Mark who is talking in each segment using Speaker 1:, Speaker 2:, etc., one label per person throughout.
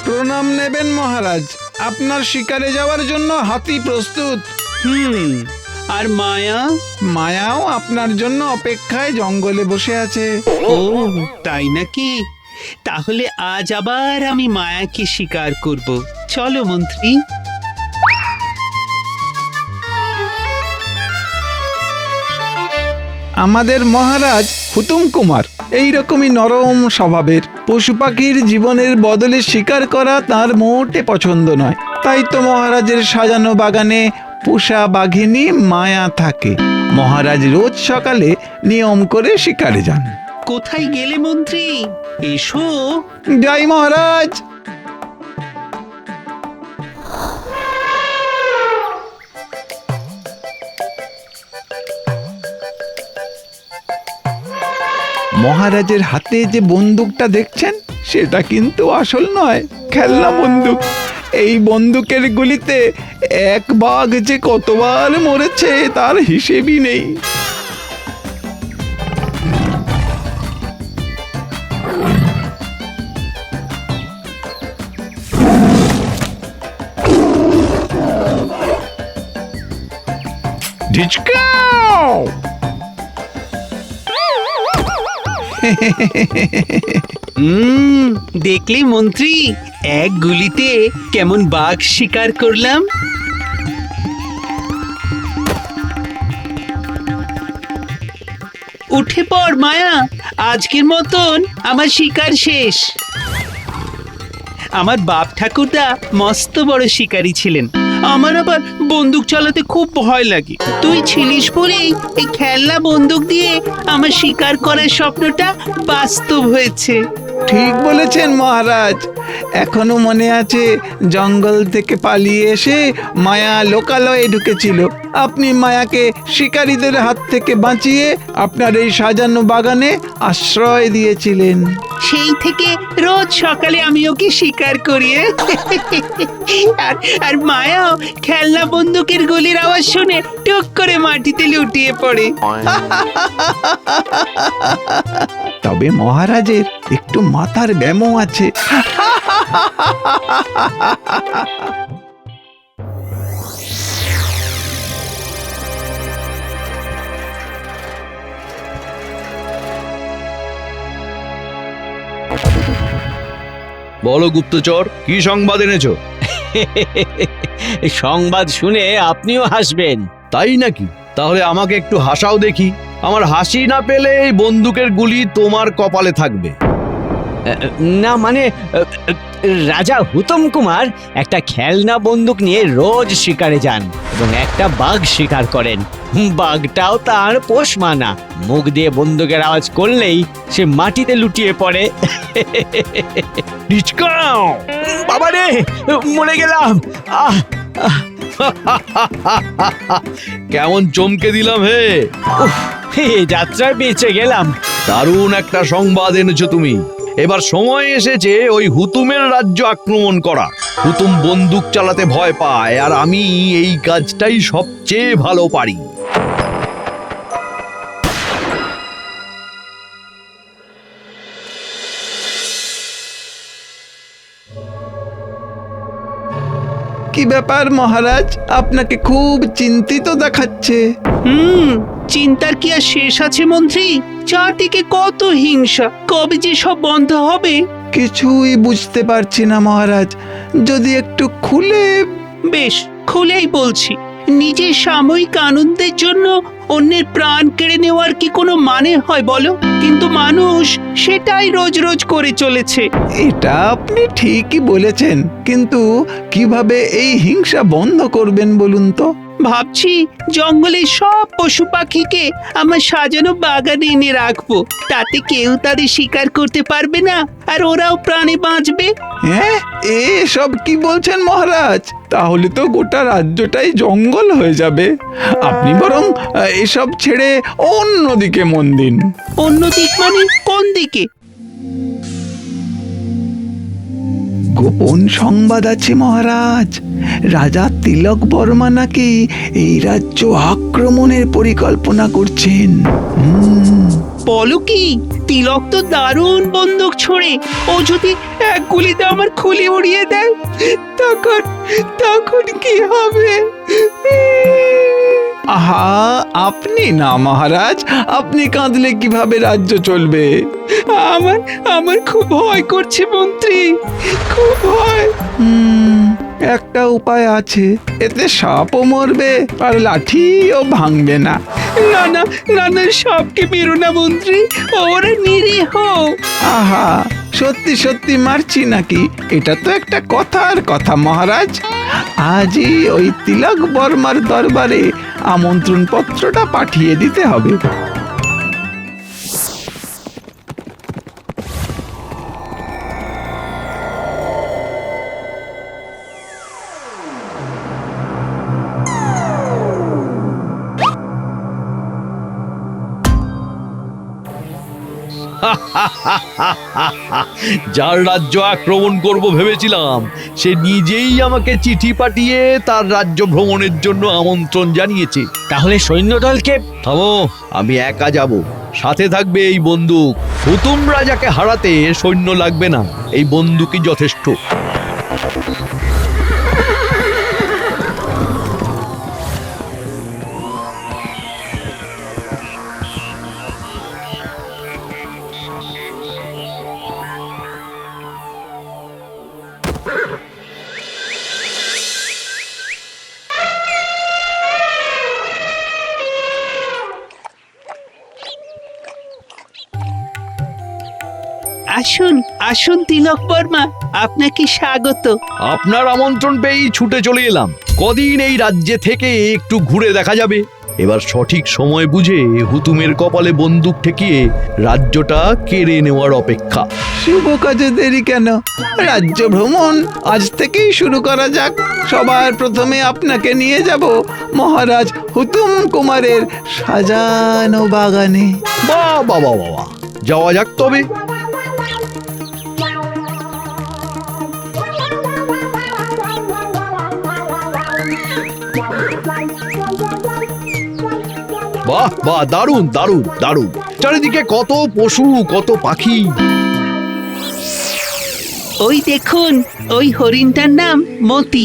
Speaker 1: প্রণাম নেবেন মহারাজ, আপনার শিকারে যাওয়ার জন্য হাতি প্রস্তুত।
Speaker 2: আর মায়া?
Speaker 1: মায়াও আপনার জন্য অপেক্ষায় জঙ্গলে বসে আছে।
Speaker 2: ও তাই নাকি? তাহলে আজ আবার আমি মায়াকে শিকার করব। চলো মন্ত্রী।
Speaker 1: আমাদের মহারাজ হুতুম কুমার এইরকমই নরম স্বভাবের। পশু পাখির জীবনের বদলে শিকার করা তার মোটে পছন্দ নয়। তাই তো মহারাজের সাজানো বাগানে পোষা বাঘিনী মায়া থাকে। মহারাজ রোজ সকালে নিয়ম করে শিকারে যান।
Speaker 2: কোথায় গেলে মন্ত্রী? এসো।
Speaker 1: যাই মহারাজ। মহারাজের হাতে যে বন্দুকটা দেখছেন সেটা কিন্তু আসল নয়, খেলনা বন্দুক। এই বন্দুকের গুলিতে এক বাঘ যে কতবার মরেছে তার হিসেবই নেই। ঢিচকাও!
Speaker 2: দেখলি মন্ত্রী, এক গুলিতে কেমন বাঘ শিকার করলাম। উঠে পড় মায়া, আজকের মতন আমার শিকার শেষ। আমার বাপ ঠাকুরদা মস্ত বড় শিকারী ছিলেন। আমার আবার বন্দুক চালাতে খুব ভয় লাগে। তুই ছিলিস বলেই এই খেলনা বন্দুক দিয়ে আমার শিকার করার স্বপ্নটা বাস্তব হয়েছে।
Speaker 1: ঠিক বলেছেন মহারাজ। এখনো মনে আছে জঙ্গল থেকে পালিয়ে এসে মায়া লোকালয়ে ঢুকেছিল। আপনি মায়াকে শিকারীদের হাত থেকে বাঁচিয়ে আপনার এই সাজানো বাগানে আশ্রয় দিয়েছিলেন।
Speaker 2: সেই থেকে রোজ সকালে আমি ওকে শিকার করিয়ে আর মায়াও খেলনা বন্দুকের গুলির আওয়াজ শুনে টুক করে মাটিতে লুটিয়ে পড়ে।
Speaker 1: তবে মহারাজের একটু মাথার ব্যামো আছে।
Speaker 3: বলো গুপ্তচর, কি সংবাদ এনেছো?
Speaker 4: সংবাদ শুনে আপনিও হাসবেন।
Speaker 3: তাই নাকি? তাহলে আমাকে একটু হাসাও দেখি। আমার হাসি না পেলে এই বন্দুকের গুলি তোমার কপালে থাকবে।
Speaker 4: না মানে রাজা হুতম কুমার একটা খেলনা বন্দুক নিয়ে রোজ শিকারে যান এবং একটা বাঘ শিকার করেন। বাঘটাও তার পোষ মানা। মুখ দিয়ে বন্দুকের আওয়াজ করলেই সে মাটিতে লুটিয়ে পড়ে।
Speaker 3: ডিচকাও!
Speaker 4: বাবা রে, মরে গেলাম।
Speaker 3: কেমন চমকে দিলাম হে!
Speaker 4: এই যাত্রায় বেঁচে গেলাম।
Speaker 3: দারুণ একটা সংবাদ এনেছো তুমি। এবার সময় এসেছে ওই হুতুমের রাজ্য আক্রমণ করা। হুতুম বন্দুক চালাতে ভয় পায়, আর আমি এই কাজটাই সবচেয়ে ভালো পারি।
Speaker 1: কি ব্যাপার মহারাজ, আপনাকে খুব চিন্তিত দেখাচ্ছে।
Speaker 2: চিন্তার কি আর শেষ আছে মন্ত্রী? চারদিকে কত হিংসা, কবে যে সব বন্ধ হবে?
Speaker 1: কিছুই বুঝতে পারছি না মহারাজ, যদি একটু খুলে।
Speaker 2: বেশ, খুলেই বলছি। নিজের সাময়িক আনন্দের জন্য অন্যের প্রাণ কেড়ে নেওয়ার কি কোনো মানে হয় বলো? কিন্তু মানুষ সেটাই রোজ রোজ করে চলেছে।
Speaker 1: এটা আপনি ঠিকই বলেছেন, কিন্তু কিভাবে এই হিংসা বন্ধ করবেন বলুন তো?
Speaker 2: ভাবছি জঙ্গলের সব পশু পাখিকে আমার সাজানো বাগানে এনে রাখবো। তাতে কেউ তাদের শিকার করতে পারবে না, আর ওরাও প্রাণে বাঁচবে।
Speaker 1: হ্যাঁ, এসব কি বলছেন মহারাজ? তাহলে তো গোটা রাজ্যটাই জঙ্গল হয়ে যাবে। আপনি বরং এসব ছেড়ে অন্যদিকে মন দিন।
Speaker 2: অন্য দিক মানে কোন দিকে?
Speaker 1: গোপন সংবাদ আছে মহারাজ। রাজা তিলক বর্মা নাকি এই রাজ্য আক্রমণের পরিকল্পনা করছেন।
Speaker 2: বলো কি? তিলক তো দারুণ বন্দুক ছোড়ে। ও যদি এক গুলিতে আমার খুলি উড়িয়ে দেয়, তখন তখন কি হবে?
Speaker 1: আহা, আপনি না মহারাজ, আপনি কাঁদলে কিভাবে রাজ্য চলবে?
Speaker 2: আমার আমার খুব ভয় করছে মন্ত্রী, খুব ভয়।
Speaker 1: একটা উপায় আছে, এতে সাপও মরবে আর লাঠিও ভাঙবে না।
Speaker 2: না না না না, সবকে মেরো না মন্ত্রী, ওরা নিরীহ।
Speaker 1: আহা, সত্যি সত্যি মারছি নাকি? এটা তো একটা কথার কথা মহারাজ। আজই ওই তিলক বর্মার দরবারে আমন্ত্রণ পত্রটা পাঠিয়ে দিতে হবে।
Speaker 3: যার রাজ্য আক্রমণ করব ভেবেছিলাম, সে নিজেই আমাকে চিঠি পাঠিয়ে তার রাজ্য ভ্রমণের জন্য আমন্ত্রণ জানিয়েছে।
Speaker 4: তাহলে সৈন্যদলকে
Speaker 3: থামো, আমি একা যাব, সাথে থাকবে এই বন্দুক। হুতুম রাজাকে হারাতে সৈন্য লাগবে না, এই বন্দুকই যথেষ্ট।
Speaker 2: আসুন আসুন তিলক বর্মা, আপনাকে স্বাগত।
Speaker 3: আপনার আমন্ত্রণ পেয়েই ছুটে চলে এলাম। কদিন এই রাজ্যে থেকে একটু ঘুরে দেখা যাবে। এবার সঠিক সময় বুঝে হুতুমের কপালে বন্দুক ঠেকিয়ে রাজ্যটা কেড়ে নেওয়ার অপেক্ষা।
Speaker 1: শুভ কাজে দেরি কেন? রাজ্য ভ্রমণ আজ থেকেই শুরু করা যাক। সবার প্রথমে আপনাকে নিয়ে যাব মহারাজ হুতুম কুমারের সাজানো বাগানে।
Speaker 3: বাহ বাহ বাহ বাহ, যাওয়া যাক তবে। বাহ বাহ, দারুণ দারুণ দারুণ। চারিদিকে কত পশু, কত পাখি।
Speaker 2: ওই দেখুন, ওই হরিণটার নাম মতি।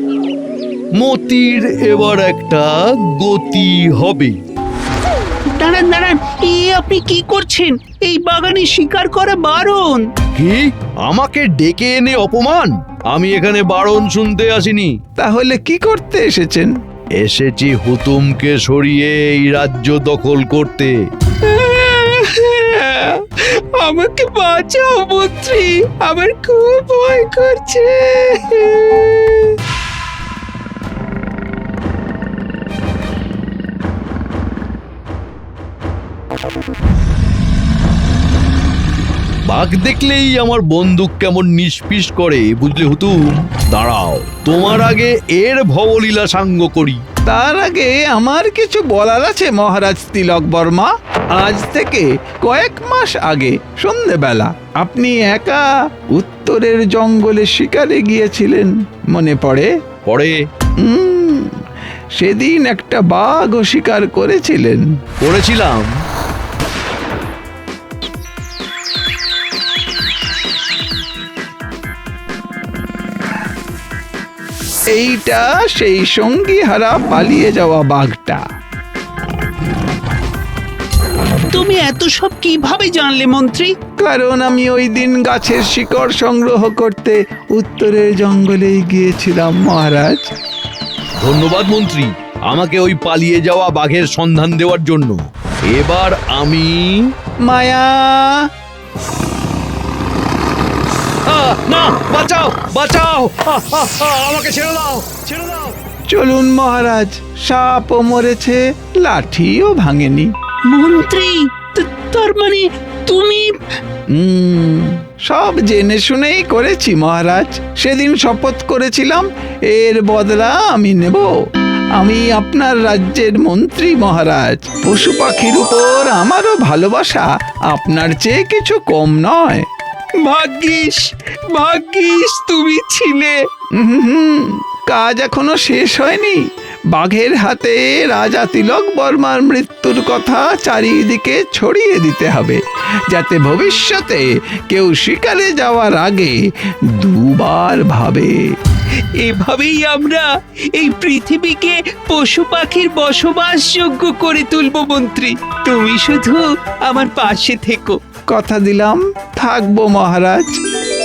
Speaker 3: মতির এবার একটা গতি হবে।
Speaker 2: দাঁড়ান দাঁড়ান, আপনি কি করছেন? এই বাগানে শিকার করা বারণ।
Speaker 3: কি? আমাকে ডেকে এনে অপমান? আমি এখানে বারণ শুনতে আসিনি।
Speaker 1: তাহলে কি করতে এসেছেন?
Speaker 3: এসেছি হুতুমকে সরিয়ে এই রাজ্য দখল করতে।
Speaker 2: আমাকে বাঁচাও মন্ত্রী, আমার খুব ভয় করছে।
Speaker 3: বাঘ দেখলেই আমার বন্দুক কেমন নিষ্পিস করে, বুঝলে হুতুম? দাঁড়াও, তোমার আগে এর ভবলীলা সাঙ্গ করি।
Speaker 1: তার আগে আমার কিছু বলার আছে মহারাজ তিলক বর্মা। আজ থেকে কয়েক মাস আগে সন্ধেবেলা আপনি একা উত্তরের জঙ্গলে শিকারে গিয়েছিলেন, মনে পড়ে?
Speaker 3: পরে
Speaker 1: সেদিন একটা বাঘও শিকার করেছিলেন।
Speaker 3: করেছিলাম।
Speaker 1: এইটা সেই সঙ্গী হারা পালিয়ে যাওয়া বাঘটা।
Speaker 2: তুমি এত সব কিভাবে জানলে মন্ত্রী?
Speaker 1: কারণ আমি ওই দিন গাছের শিকড় সংগ্রহ করতে উত্তরের জঙ্গলে গিয়েছিলাম মহারাজ।
Speaker 3: ধন্যবাদ মন্ত্রী, আমাকে ওই পালিয়ে যাওয়া বাঘের সন্ধান দেওয়ার জন্য। এবার আমি
Speaker 1: মায়া,
Speaker 3: না, বাঁচাও বাঁচাও, আমাকে ছেড়ে দাও, ছেড়ে দাও।
Speaker 1: চলুন মহারাজ, সাপও মরেছে, লাঠিও ভাঙেনি।
Speaker 2: মন্ত্রী, তার মানে তুমি?
Speaker 1: সব জেনে শুনেই করেছি মহারাজ। সেদিন শপথ করেছিলাম এর বদলা আমি নেব। আমি আপনার রাজ্যের মন্ত্রী মহারাজ। পশু পাখির উপর আমারও ভালোবাসা আপনার চেয়ে কিছু কম নয়।
Speaker 2: ভাগ্যিস ভাগ্যিস তুমি ছিলে।
Speaker 1: হুম, কাজ এখনো শেষ হয়নি। বাঘের হাতে রাজা তিলক বর্মার মৃত্যুর কথা চারিদিকে ছড়িয়ে দিতে হবে, যাতে ভবিষ্যতে কেউ শিকারে যাওয়ার আগে দুবার ভাবে।
Speaker 2: এভাবেই আমরা এই পৃথিবীকে পশু পাখির বসবাসযোগ্য করে তুলব মন্ত্রী। তুমি শুধু আমার পাশে থেকো।
Speaker 1: কথা দিলাম, থাকবো মহারাজ।